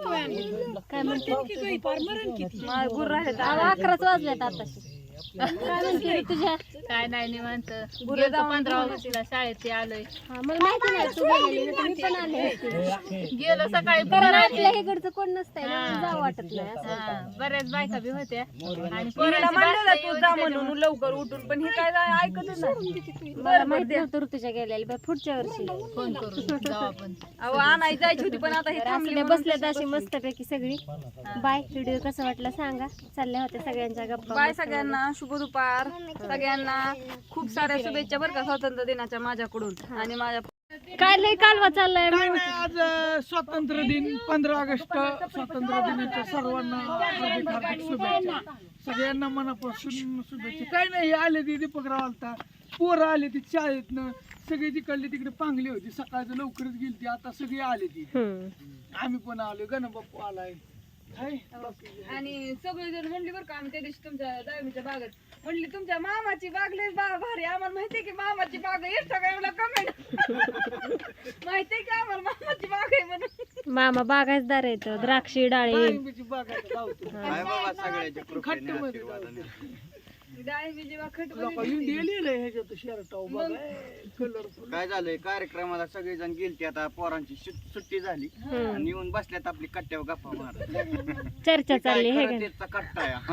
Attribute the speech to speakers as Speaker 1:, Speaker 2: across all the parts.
Speaker 1: काय म्हणते
Speaker 2: गुर राहिले
Speaker 1: 11च वाजल्यात आताशी. काय म्हणते तुझ्या
Speaker 3: काय नाही निवांत. गेलो 15 ऑगस्टला शाळेत आलोय.
Speaker 1: मला माहिती नाही तू गेलेली ना, मी पण आले असते.
Speaker 3: गेलो सकाळी
Speaker 1: कारण आपल्या इकडचं कोण नसतंय ना, जाऊ वाटत नाही असं.
Speaker 3: बऱ्याच बायका बी होत्या आणि
Speaker 2: पोराला म्हणलं तू जा म्हणून लवकर उठून, पण हे काय ऐकतच नाही.
Speaker 1: मला माहिती नव्हतं ऋतूच्या गेलेली, बरं पुढच्या वर्षी
Speaker 3: फोन करून जाऊ आपण.
Speaker 2: अहो आणाय जायची होती, पण आता हे थांबले
Speaker 1: बसल्यात अशी मस्तपैकी सगळी. बाय. व्हिडिओ कसा वाटला सांगा. चालल्या होत्या सगळ्यांच्या गप्पा.
Speaker 2: बाय सगळ्यांना, शुभ दुपार सगळ्यांना. खूप साऱ्या शुभेच्छा बरं का स्वातंत्र्य दिनाच्या माझ्याकडून आणि माझ्या.
Speaker 1: काय लय कालवा चाललाय.
Speaker 4: काय नाही, आज स्वातंत्र्य दिन 15 ऑगस्ट स्वातंत्र्य दिनाच्या सर्वांना हार्दिक हार्दिक शुभेच्छा. सगळ्यांना मनापासून शुभेच्छा. काय नाही, आले ती दीपकराव आलता, पोरं आले ती शाळेतनं, सगळी तिकडली तिकडे पांगली होती, सकाळचं लवकरच गेली ती, आता सगळी आले ती. आम्ही पण आलो, गणबाप्पू आलाय.
Speaker 2: आणि सगळेजण म्हणली बरं का, आम्ही त्या दिवशी तुमच्या दावीच्या बागेत म्हणली तुमच्या मामाची बाग लय भारी. आम्हाला माहितीये की मामाची बाग आहे. इंस्टाग्रामला कमेंट माहितीये की आम्हाला मामाची बाग आहे म्हणून.
Speaker 1: मामा बागायतदार आहेत. द्राक्षी डाळी
Speaker 4: डाळिंबीची बाग आहे, लावतो.
Speaker 2: डाळिंबीची बाग खट
Speaker 4: लोकं इंडिया लिहिलंय ह्याच्यात शर्ट कलरफुल.
Speaker 5: काय झालंय, कार्यक्रमाला सगळेजण गेलते, आता पोरांची सुट्टी झाली आणि येऊन बसल्यात आपली कट्ट्यावर गप्पा मारत.
Speaker 1: चर्चा चालली हे का?
Speaker 5: त्याचा कट्टा आहे.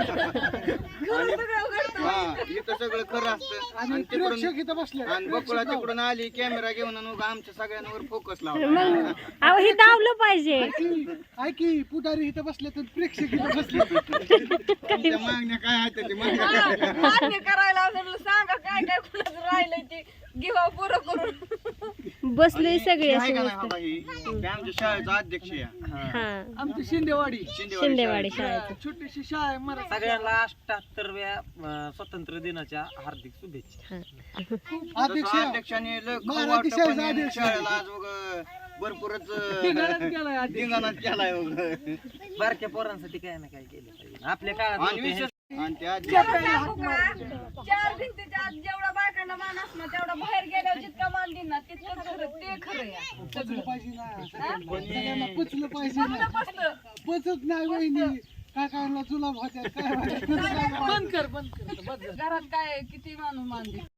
Speaker 5: हा, इथं सगळं खरं असतं आणि
Speaker 4: प्रेक्षक इथं बसले.
Speaker 5: आणि बकुळा तिकडून आली कॅमेरा घेऊन आणि आमच्या सगळ्यांवर फोकस लावला.
Speaker 1: मग अहो हे धावलं पाहिजे.
Speaker 4: ऐकी पुढारी इथं बसले तर प्रेक्षक इथं बसले.
Speaker 5: तुमच्या मागण्या काय आहेत ते मागण्या.
Speaker 2: मान्य करायला म्हणलं सांगा काय काय कुणाचं राहिलंय ते घेवा पुरं करून.
Speaker 1: बसले सगळे
Speaker 5: आहे
Speaker 1: असे
Speaker 5: का नाही
Speaker 1: मस्त.
Speaker 5: बाबा ही? ते आमच्या शाळेचा अध्यक्ष आहे.
Speaker 1: हा
Speaker 4: आमची शिंदेवाडी
Speaker 1: शिंदेवाडी शाळेत.
Speaker 4: छोटीशी शाळा आहे मराठी.
Speaker 6: सगळ्यांना 78व्या स्वातंत्र्य दिनाच्या हार्दिक शुभेच्छा.
Speaker 5: तसं अध्यक्षाने लय खाऊ
Speaker 4: मराठी
Speaker 5: वाटप
Speaker 4: शाळेचा
Speaker 5: आणि
Speaker 4: अध्यक्ष.
Speaker 5: शाळेला आज भरपूरच
Speaker 4: धिंगाणाच केलाय आधी.
Speaker 5: धिंगाणाच केलाय
Speaker 6: बारक्या पोरांसाठी काय ना काय केलं पाहिजे. आपल्या काळात
Speaker 5: आणि
Speaker 6: नव्हते.
Speaker 5: विशेष आणि त्या
Speaker 2: चार भिंतीच्या आत जेवढा बायकांना मान असणार तेवढा बाहेर गेल्यावर जितका मान देईन ना तितकं खरं ते खरं आहे.
Speaker 4: पचलं पाहिजे ना, सगळ्यांना पचलं पाहिजे ना.
Speaker 2: बसलं.
Speaker 4: पचत नाही वहिनी, काय काय जुलाब होत्या काय. बंद कर
Speaker 2: घरात काय किती माणूस मान देईल.